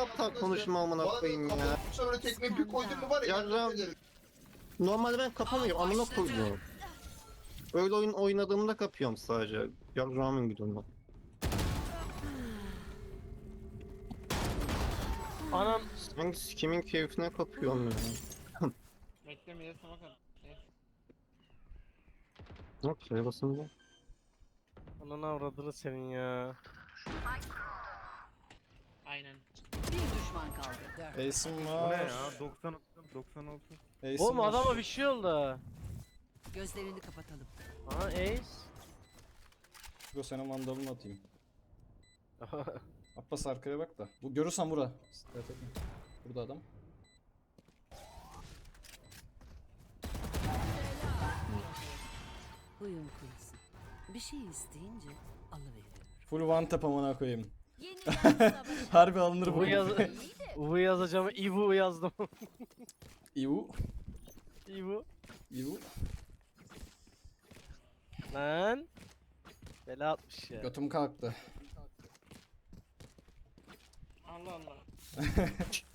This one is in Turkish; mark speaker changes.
Speaker 1: aptal konuşma amına koyayım ya.
Speaker 2: Kapatmışsa böyle tekme bir koydun mu var ya.
Speaker 1: Yarram. Normalde ben kapamıyorum amına koydum. Öyle oyun oynadığımda kapıyorum sadece. Yarramın gidiyorum.
Speaker 3: Anam.
Speaker 1: Hangisi kimin keyfine kapıyorum ya.
Speaker 3: Beklemeye sana kadar.
Speaker 1: Yok şeye basınca.
Speaker 3: Ananı avradını senin ya. Aynen.
Speaker 4: Bir düşman kaldı.
Speaker 5: Ace'im
Speaker 6: Bu ne
Speaker 5: var.
Speaker 6: ya? 96.
Speaker 5: Ace'im
Speaker 3: Oğlum
Speaker 5: var.
Speaker 3: adama bir şey oldu.
Speaker 4: Gözlerini kapatalım.
Speaker 3: Aha Ace.
Speaker 5: Go senin mandalını atayım. Abbas arkaya bak da. Bu görürsen bura. Evet, etme. Burada adam.
Speaker 4: Huyum kurusun. Bir şey isteyince alıveririm.
Speaker 5: Full one tap amına koyayım.
Speaker 4: Yeniden savaş.
Speaker 5: Harbi alınır bu.
Speaker 3: Bu yaz Uvu yazacağım. Ivu yazdım.
Speaker 5: Ivu.
Speaker 3: Ivu.
Speaker 5: Ivu.
Speaker 3: Lan. Bela atmış ya.
Speaker 5: Götüm kalktı.
Speaker 3: Allah Allah.